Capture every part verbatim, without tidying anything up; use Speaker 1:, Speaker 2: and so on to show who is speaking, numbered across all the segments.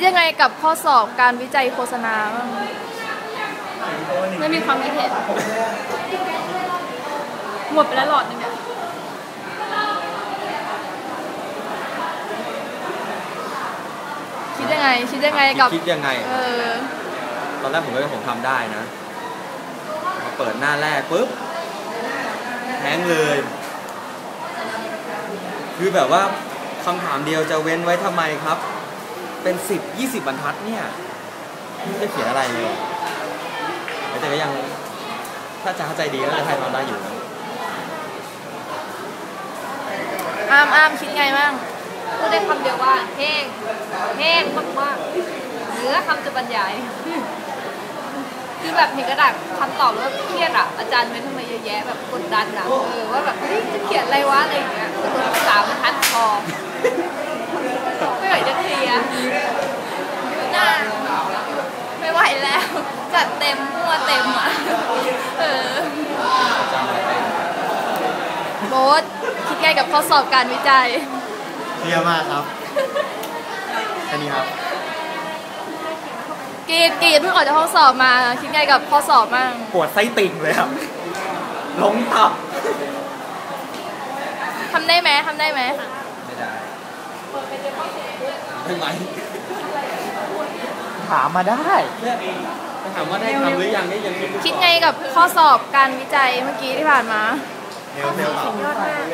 Speaker 1: ยังไงกับข้อสอบการวิจัยโฆษณาบ้างไม่มีความคิดเห็นหมดไปแล้วหลอดนึงเนี่ยคิดยังไงคิดยังไงกับ
Speaker 2: คิดยังไง
Speaker 1: เออ
Speaker 2: ตอนแรกผมก็ผมทำได้นะมาเปิดหน้าแรกปุ๊บแห้งเลยคือแบบว่าคำถามเดียวจะเว้นไว้ทำไมครับเป็นสิบยี่สิบบรรทัดเนี่ยจะเขียนอะไรเลยแต่ก็ยังถ้าจะเข้าใจดีก็จะทำได้อยู่นะ
Speaker 1: อ้ามอ้ามคิดไงบ้างพูดได้คำเดียวว่าแห้งแห้งมากๆเหลือคำจะบรรยายคือแบบเห็นกระดาษคำตอบแล้วเครียดอ่ะอาจารย์เว้นทำไมเยอะแยะแบบกดดันอ่ะเออว่าแบบเฮ้ยจะเขียนอะไรวะอะไรอย่างเงี้ยตัวสามบรรทัดพอไม่ไหวจะเคลียร์น่าไม่ไหวแล้วจัดเต็มมั่วเต็มอ่ะเออโบ๊ทคิดไงกับข้อสอบการวิจัย
Speaker 3: เครียดมากครับแค่นี้ครับ
Speaker 1: กีดกีดเพิ่งออกจากห้องสอบมาคิดไงกับข้อสอบบ้าง
Speaker 2: ปวดไส้ติ่งเลยครับล้มตับ
Speaker 1: ทำได้ไหมทำได้ไหม
Speaker 2: ไม่ได้ได้ไหม
Speaker 3: ถามมาได้
Speaker 2: ถามว่าได้ทำหรือยังได้ยัง
Speaker 1: คิดไงกับข้อสอบการวิจัยเมื่อกี้ที่ผ่านมา
Speaker 3: ข้อสอบสุดยอดมาก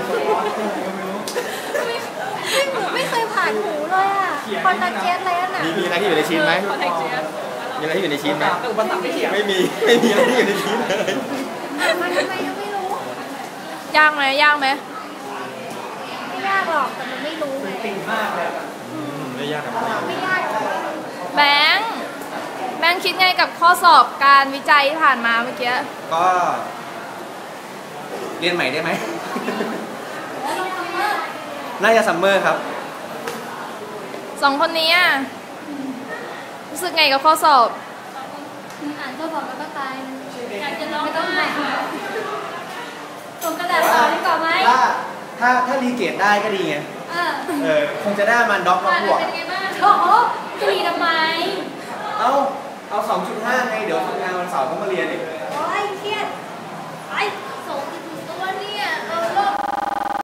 Speaker 1: ไม่เคยผ่านหูเลยอ่ะคอนแทคเจสอะไรน่ะ
Speaker 2: มีอะไรที่อยู่ในชิ้นไหมมีอะไรที่อยู่ในชิ้นไหมไม่มีไม่มีอะไรที่อยู่ในชิ้นเลย
Speaker 1: มันทำไมยังไม่รู้ยากไหมยากไหมไม่ยากหรอกแต่มันไม่รู้ไงติ่งมากเลย
Speaker 2: ไม่ยากครับ
Speaker 1: ไม่ยากแบงค์แบงค์คิดไงกับข้อสอบการวิจัยที่ผ่านมาเมื่อกี้
Speaker 2: ก็เรียนใหม่ได้ไหมน่าจะซัมเมอร์ครับ
Speaker 1: สองคนนี้รู้สึกไงกับข้อสอบ
Speaker 4: อ่านข้อสอบแล้วก็ตายอยากจะร้องไม่ต้องไหนส่งกระดาษต่อดีกว่าไหม
Speaker 3: ถ้าถ้าถ้ารีเกตได้ก็ดีไงเออคงจะได้มันด็อกมาบวก
Speaker 4: เป็นไงบ้างโอ้โหจะรีทำไม
Speaker 3: เอาเอา สองจุดห้า ไงเดี๋ยวทำงานวันเสาร์ต้องมาเรียนอีก
Speaker 4: โอ้ยเครียดไป